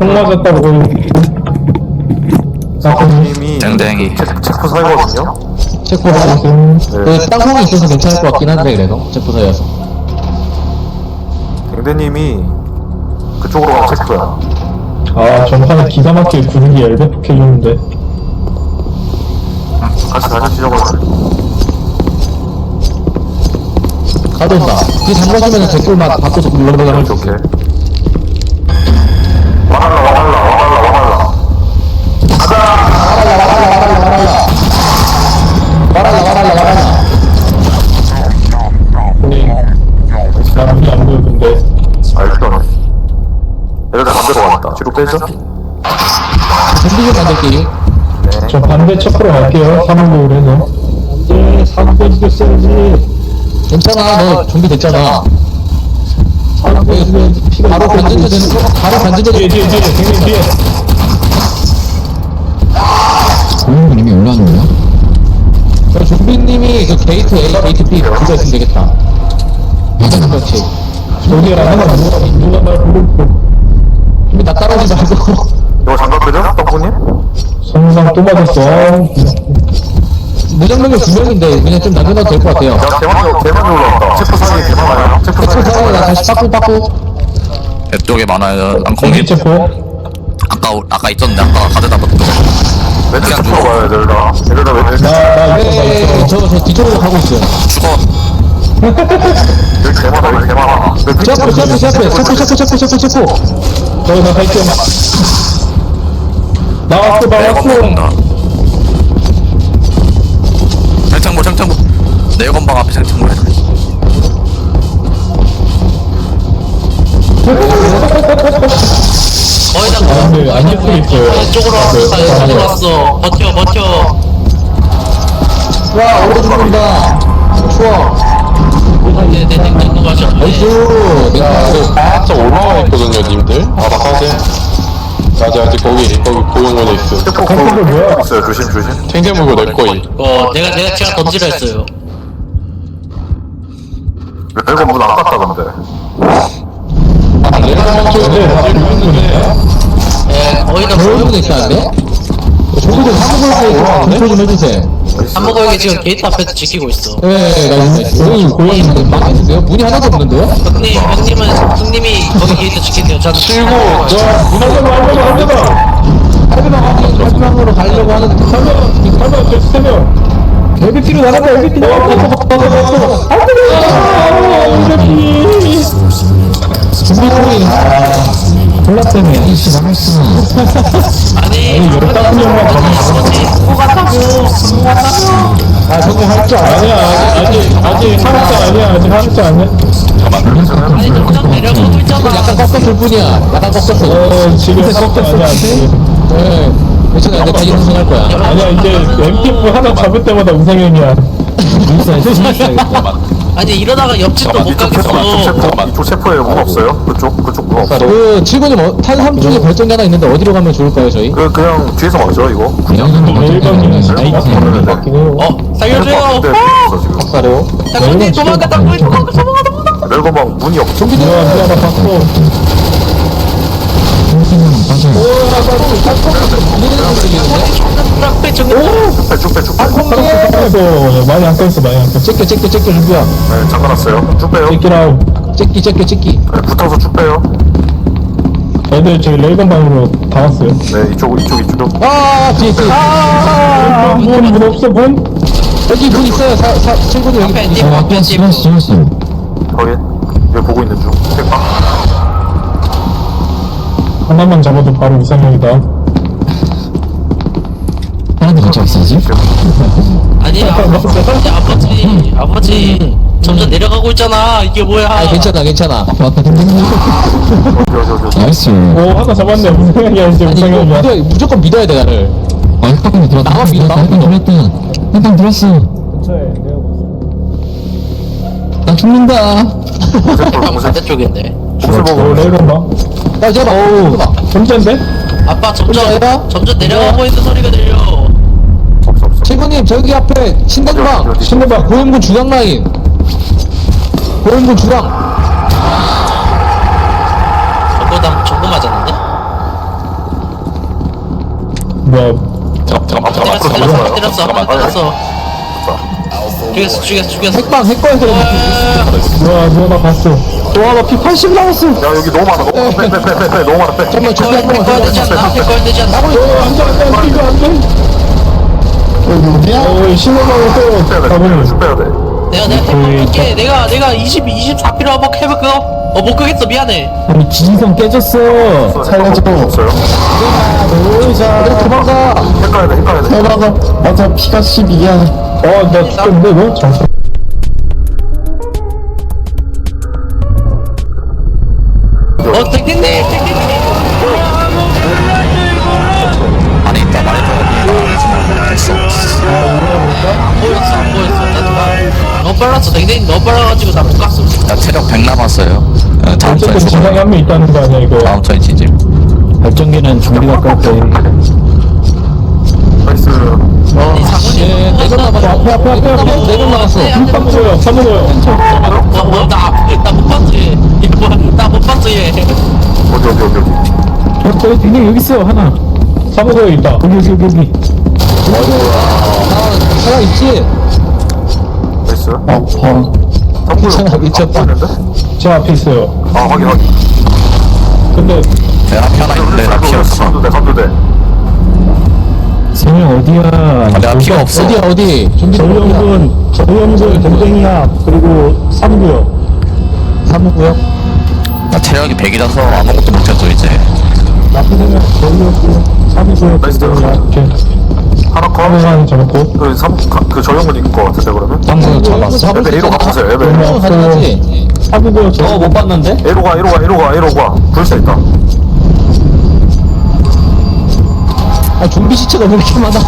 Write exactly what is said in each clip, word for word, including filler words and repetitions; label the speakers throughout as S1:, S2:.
S1: 총 맞았다고 거의.
S2: 사모님이
S3: 땡땡이.
S2: 체크 사이거든요?
S4: 체포사.
S1: 음,
S4: 그 땅콩이 있어서 괜찮을 것 같긴 한데 그래도 체포사여서.
S2: 댕대님이 그쪽으로 가면 체크야.
S1: 아, 전판에 기가 막히게 구르기 엘베폭 해줬는데.
S2: 같이 다니시죠, 그러면.
S4: 가져온다. 그 잠궈주면 댓글만 바꿔서 눌러보자.
S2: 오케이, 오케이. 와달라, 와달라, 와달라, 와달라.
S4: 말하라 말하라 말하라.
S1: 사람이 안 보이는데.
S2: 아, 일단은. 얘들아, 반대로 왔다. 뒤로 빼죠?
S4: 준비 좀 만들기.
S1: 저 반대 체크로 갈게요. 사망국을 해서. 안돼, 사망 빼주겠어야지.
S4: 괜찮아, 너 준비됐잖아.
S1: 사망 빼주겠어야지. 피가
S4: 바로 반전되는 거? 바로
S1: 뒤에,
S4: 반전되는
S1: 뒤에, 뒤에, 뒤에, 뒤에.
S4: 고용님이 올라오냐? 저 좀비님이 그 게이트 A, 게이트 B 그거 있으면 되겠다. 그렇지.
S1: 저기랑 하나 누가, 누가 날 부르고.
S4: 좀비 나 따라오지 말고.
S2: 이거 장갑 끄죠? 떡구님?
S1: 성상 또 맞았어.
S4: 무장병력 두 명인데 그냥 좀 남겨놔도 될 것 같아요.
S2: 야, 대만이, 대만이 올라왔다. 체크 사이 개 많아요. 체크
S4: 체포
S2: 사이 개
S4: 상황에 나
S2: 많아요.
S4: 다시 빠꾸 빠꾸.
S3: 옆쪽에 많아요.
S1: 공기
S3: 땅콩님.
S1: 체포.
S3: 아까 아까 있었는데 아까 가져다 놨던 거.
S2: 왼쪽 체크로 가요, 얘들 다. 얘들 다 왼쪽.
S1: 나, 나 있어, 나
S4: 네,
S1: 있어.
S4: 저, 저 뒤쪽으로 가고 있어요.
S3: 죽어.
S2: 여기 개 많아, 여기 개 많아.
S4: 체포, 체포, 체포, 체포, 체포, 체포, 체포, 체포.
S1: 저기 나 갈게. 나왔어, 나왔어.
S3: 내건방다. 창창보 창창보. 내건방 앞에 창창보 해줘.
S5: 거의 다
S1: 아, 근데 안 잡혀 있어요.
S5: 이쪽으로 왔어. 이쪽으로 왔어. 버텨, 버텨.
S4: 와, 오래 죽는다. 추워.
S5: 네, 네, 네, 네, 가죠.
S4: 나이스. 야,
S6: 바짝 올라와 있거든요, 님들. 알아서하세요. 아직 아직 거기 거기 고용원에 있어.
S2: 체크
S1: 컨트롤 뭐야?
S2: 있어요, 조심, 조심.
S6: 탱탱물고 내 거이.
S5: 어, 내가, 내가 제가 던지라 했어요.
S2: 이거 문 안 갔다, 근데.
S6: 아, 내가 쪽에 있는데.
S5: 예, 거의 다
S4: 저런
S5: 보여.
S4: 분이 있다는데? 저기 좀 한국어에서 검토 좀 해주세요.
S5: 한국어에게 지금 게이트 앞에서 지키고 있어.
S4: 네, 나 고양이, 고양이 망했는데요? 문이 하나도 없는데요?
S5: 형님, 형님은, 형님이 거기 게이트 지킨대요. 저는
S6: 칠구.
S1: 문화가 안 되나, 안 되나.
S4: 할배방 확인, 할배방으로 가려고 하는데.
S1: 설명, 설명, 저 세명. 엘비티로 나갔다, 엘비티로 나갔다. 안 되나. 엘비티.
S4: 준비통이.
S1: 콜라 때문에.
S4: 이씨, 나갔어.
S5: 아니,
S1: 열다섯 명만 더
S5: 뭐지? 뭐 같다고. 뭐 같다고.
S4: 아, 저거 할줄 알아.
S1: 아니야, 아직, 아직 한학자 아니야, 아직 한학자 아니야.
S5: 아니, 점점 내려가고 있잖아.
S4: 약간 꺾었을 뿐이야. 약간 꺾었어.
S1: 어, 지금 섞였어, 아니야, 아직.
S4: 네. 괜찮아, 내가 다시 우승할 거야.
S1: 아니야, 이제 엠티에프 하나 잡을 때마다 우상형이야.
S5: 아니, 이러다가 옆집도 못
S2: 이쪽 체포, 이쪽
S5: 가겠어.
S2: 체포, 이쪽 체포에 문 없어요? 그쪽, 그쪽 문 없어.
S4: 그, 칠군님, 어, 탄 삼 쪽에 발전기 하나 있는데 어디로 가면 좋을까요, 저희?
S2: 그, 그냥 뒤에서 막죠, 이거.
S1: 일반인은 나이트 같긴 해요.
S5: 어, 살려줘요.
S2: 근데 있어, 지금.
S4: 박사래요?
S5: 형님, 도망가, 도망가, 도망가, 도망가, 도망가.
S2: 멜건방 문이 없어.
S1: 누가, 누가 나 봤어.
S5: 락배 정리.
S2: 쭉 빼, 쭉 빼, 쭉 빼.
S1: 살았어, 많이 안 깼어, 많이 안 깼어.
S4: 째껴, 째껴, 째껴, 준비야.
S2: 네, 잠가놨어요. 쭉 빼요.
S1: 째끼라우.
S4: 째끼, 째끼, 째끼.
S2: 네, 붙어서 쭉 빼요.
S1: 애들 저기 레이건방으로 다 왔어요.
S2: 네, 이쪽, 이쪽, 이쪽.
S4: 아, 뒤에, 뒤에.
S1: 아, 문, 문 없어, 문?
S4: 여기 문 있어요, 사, 사, 칠군님 여기.
S5: 앞에 님, 앞에 님.
S2: 확인. 여기 보고 있는 중. 택방.
S1: 하나만 잡아도 바로 이상형이다.
S4: 하나도 같이 왔어야지.
S5: 아니, 아, 아버지, 아버지, 아버지. 점점 내려가고 있잖아. 이게 뭐야?
S4: 아, 괜찮아, 괜찮아. 왔다,
S2: 어디, 어디, 어디.
S4: 나이스.
S1: 오, 하나 잡았네. 우상형이야, 이제
S4: 아니, 이거
S1: 우상형이야.
S4: 믿어, 무조건 믿어야 돼, 나를. 아, 흑박근이 들었다. 나만 믿어, 나만 믿어. 들었다. 한방 들었어. 나 죽는다.
S2: 공세포, 공세,
S5: 반대쪽인데.
S2: 공세포.
S1: 오, 레이건방.
S4: 야, 제발, 어우.
S1: 혼자인데?
S5: 아빠 점점,
S4: 혼자야?
S5: 점점 내려가고 있는 소리가 들려.
S2: 없어, 없어.
S4: 칠군님, 저기 앞에 신당방. 신당방, 고인군 주강 라인. 고인군 주강.
S5: 저거 다, 저거 맞았는데?
S1: 뭐야.
S6: 잠깐만 잠깐만
S5: 때렸어
S6: 잠깐만
S5: 때렸어
S6: 잠깐만
S5: 때렸어 때렸어 죽였어 죽였어 죽였어
S4: 핵방 핵거에 들어
S1: 뭐야, 뭐야, 나 봤어.
S4: 와 나 피 팔십 남았어
S2: 야 여기 너무 많아. 빼빼빼빼빼 너무 많아. 빼.
S4: 잠깐만 준비 한 번만
S5: 백과야 되지 않나? 백과야 되지 않나?
S1: 어, 안 돼, 안 돼, 안 돼, 이거 안 돼. 어, 신호방을 또
S2: 빼야 돼.
S1: 가보네.
S2: 쭉 빼야 돼.
S5: 내가 내가 택배 할게 내가 내가 이십 이십사 필요 한번 해볼까? 어못 끄겠어 미안해
S1: 우리 지지선 깨졌어.
S2: 살려줘. 없어요.
S1: 놀자. 도망가.
S2: 헷갈려야 돼. 헷갈려야 돼.
S1: 도망가. 맞아, 피가 십이야. 어, 나 죽겠는데, 너? 잠깐.
S5: 어 땡땡님 땡땡님
S3: 안에 있다 말해 됐어.
S5: 안 보였어 안 보였어 나도 봐 너무 빨랐어 땡땡님 너무 빨라가지고 나 못 갔어
S3: 나 체력 백 남았어요. 어, 다음
S1: 어쨌든
S3: 턴에
S1: 지상에 한 명 있다는 거 아니야, 이거.
S3: 다음 턴에 지지.
S1: 발전기는 준비가 깎게.
S2: 나이스.
S5: 아니 상훈이
S4: 내가 남았어 앞에 앞에 앞에 앞에 내가 남았어
S1: 한 먹어요, 사 먹어요.
S5: 나못 봤지 얘나못 봤어 얘
S2: 어디 어디 어디 어디.
S1: 어, 저기 그냥 여기 있어요, 하나. 사 먹어요, 있다. 여기, 여기, 여기, 여기.
S4: 아 살아있지?
S2: 나이스.
S1: 어,
S4: 괜찮아, 미쳤다.
S1: 제 앞에 있어요.
S2: 아 확인 확인.
S1: 근데,
S3: 내 앞에 하나 있는데 나 피 없어.
S2: 선두대 선두대.
S1: 세명 어디야?
S3: 아, 내가 피가 없어.
S4: 어디야 어디? 준비
S1: 저희형군, 저희형군 동생이야. 그리고 삼구요.
S4: 삼구요?
S3: 나 체력이 백이라서 아무것도 못해줘 이제.
S1: 나쁘면 저희형군, 삼구요.
S2: 나이스.
S1: 이렇게.
S2: 하나 컷.
S1: 하나만 잡았고.
S2: 그 삼, 그 저형은 있을 것 같은데 그러면?
S3: 방금 잡았어.
S2: 에베 A로 가보세요. 에베.
S1: 그러면
S4: 가능하지?
S1: 삼구요. 저 못 봤는데?
S2: A로 가 A로 가 A로 가 A로 가. 불사 있다.
S4: 아 좀비 시체가 왜 이렇게 많아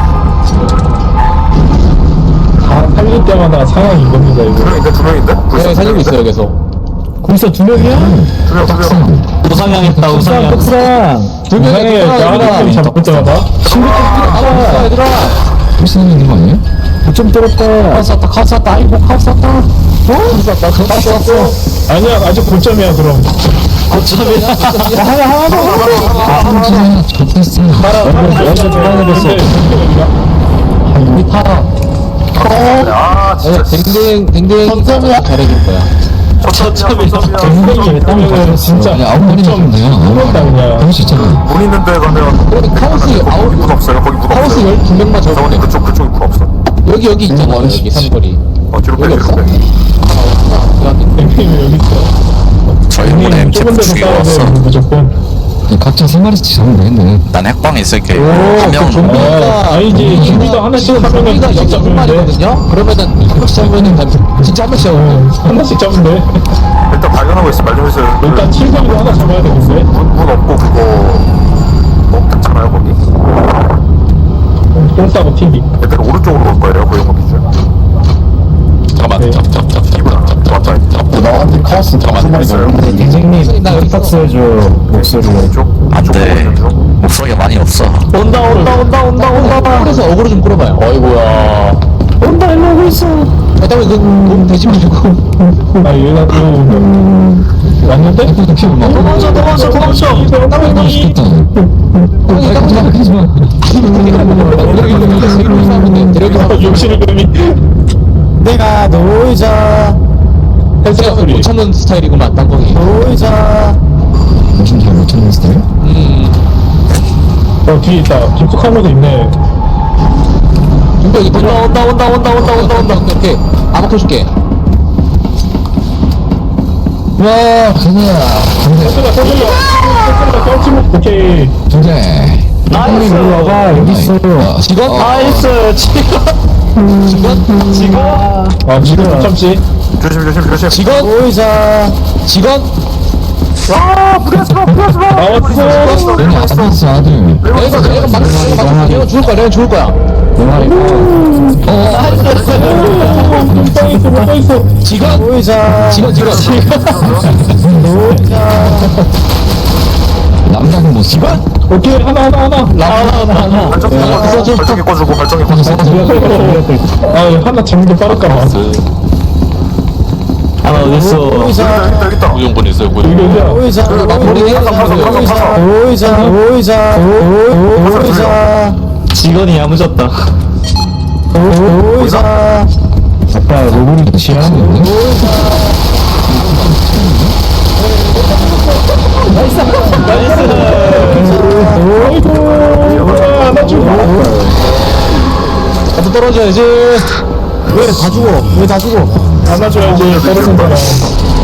S1: 다 살릴 때마다 상황이 이겁니다,
S2: 두
S1: 이거.
S2: 명인데 두 명인데? 불사
S4: 네
S2: 두
S4: 살리고
S2: 명인데?
S4: 있어요 계속
S1: 거기서 두 명이야?
S2: 두 명, 두 명.
S1: 우상향했다, 우상향. 우상향.
S4: 두 명이
S1: 우상향.
S4: 있구나,
S1: 나랑
S4: 얘들아.
S1: 잡을 때마다. 친구 좀
S4: 아 얘들아
S1: 무슨 있는 거 아니에야? 좀 때렸다. 카스 왔다, 카스 왔다, 아이고, 카스 왔다. 어? 카스 왔다, 카스 왔어. 아니야, 아직 고점이야, 그럼. 고점이야? 하나, 하나 더, 하나 더. 하나, 좋겠어. 하나, 여기서 돌아내겠어. 우리 파라.
S2: 아 진짜.
S4: 댕댕 댕댕 점점이야 잘해줄 거야
S2: 첫점이야.
S1: 댕댕이 했다면 진짜.
S7: 아홉 마리 남았네요.
S1: 한번다 그냥.
S7: 그럴 수 있잖아.
S2: 문 있는 데 가면
S4: 그래 카오스 아웃
S2: 문 없어요. 거기 문
S4: 카오스
S2: 없어요.
S4: 열두 명만
S2: 저번에
S4: 잡으면 돼
S2: 그쪽 그쪽에 문 없어.
S4: 여기 여기 있잖아 여기 삼거리
S2: 어 뒤로 빼
S4: 여기
S2: 뒤로
S4: 없어?
S2: 빼.
S1: 댕댕이 여기 있어.
S3: 저희 분에
S1: 댕댕이
S3: 엠티
S1: 좁은 데서 싸워야
S3: 죽여왔어.
S1: 돼, 무조건.
S7: 각자 세 마리씩 잡으면 되겠네.
S3: 난 핵방에 있을게.
S1: 오,
S3: 한 명.
S1: 그 좀비. 아, 아니지. 좀비도 하나씩 하면은
S4: 우리가
S1: 계속
S4: 여기 두
S1: 잡으면 돼.
S4: 마리거든요 그러면은 한 명씩 잡으면은 다- 진짜 한 명씩 잡으면 돼
S1: 어, 하나씩 잡으면 돼.
S2: 일단 발견하고 있어. 말 좀 해주세요. 그
S1: 일단 칠성도 하나 잡아야 되겠어.
S2: 문, 문 없고 그거 어 괜찮아요 거기?
S1: 똥 싸고 튀기.
S2: 애들 오른쪽으로 올 거예요. 고용호 기준.
S3: 잠깐만.
S1: 네.
S3: 잡, 잡, 잡, 잡.
S2: 이구나. 왔다.
S7: 나한테 카오스
S3: 잠깐만.
S2: 있어요.
S1: 선생님,
S4: 나 여기
S1: 탁스 해줘. 목소리로.
S2: 이쪽.
S3: 안
S2: 이쪽
S3: 돼.
S2: 보는 중.
S3: 목소리가 많이 없어.
S1: 온다, 온다, 온다, 온다, 온다.
S4: 그래서 어그로 좀 끌어봐요 어이구야
S1: 온다, 일로 오고 있어.
S4: 그다음에 그 몸 되지 말고
S1: 아, 얘가 또 왔는데? 도망쳐, 도망쳐, 도망쳐.
S7: 맛있겠다.
S4: 하지 마
S1: 아, 욕실을 그미. 내가 놀자.
S4: 제가
S1: 소리.
S4: 못 참는 스타일이구만 땅콩이
S1: 놀자.
S7: 당신 잘 못하는 스타일?
S4: 음
S1: 어, 뒤에 있다. 깊숙한 것도 있네.
S4: 준비 여기 온다 온다 온다 온다 온다 온다 온다 오케이 아마 켜줄게
S7: 와, 그거야.
S1: 서준아, 서준아. 서준아, 떨치면 오케이.
S7: 근데.
S1: 나이스. 일로 와봐. 여기 있어.
S4: 직원?
S1: 나이스. 직원.
S4: 직원? 직원?
S1: 아, 지금 못 참지.
S2: 조심 조심 조심.
S4: 직원?
S1: 보이자.
S4: 직원?
S2: 아 무리하지 마 무리하지 마.
S1: 나왔어.
S7: 너는 아들 아들.
S4: 내가 내가 막 내가 막 내가 죽을 거야 내가 죽을 거야
S1: 못 있어, 못 있어.
S4: 직원? 보이자 직원 직원
S7: 남자는 뭐 직원?
S1: 오케이, 하나, 하나, 하나. 하나, 하나, 하나.
S2: 발전기 꺼주고 발전기 꺼주고 발전기 꺼주고.
S1: 아, 하나 잡는 게 빠를까봐. 아 어딨어
S2: 여기 있다 여기 있다.
S6: 고용군 있어요 고용군.
S1: 여기야
S4: 오이사 머리
S2: 가서 가서 가서 가서.
S4: 오이사 오이사 오이사
S1: 직원이 야무졌다
S4: 오이사
S1: 아빠 로봇이 취하는데 나이스 하나 주고
S4: 나도 떨어져야지 왜 다 죽어 왜 다 죽어
S1: 안아줘야지 떨어진 사람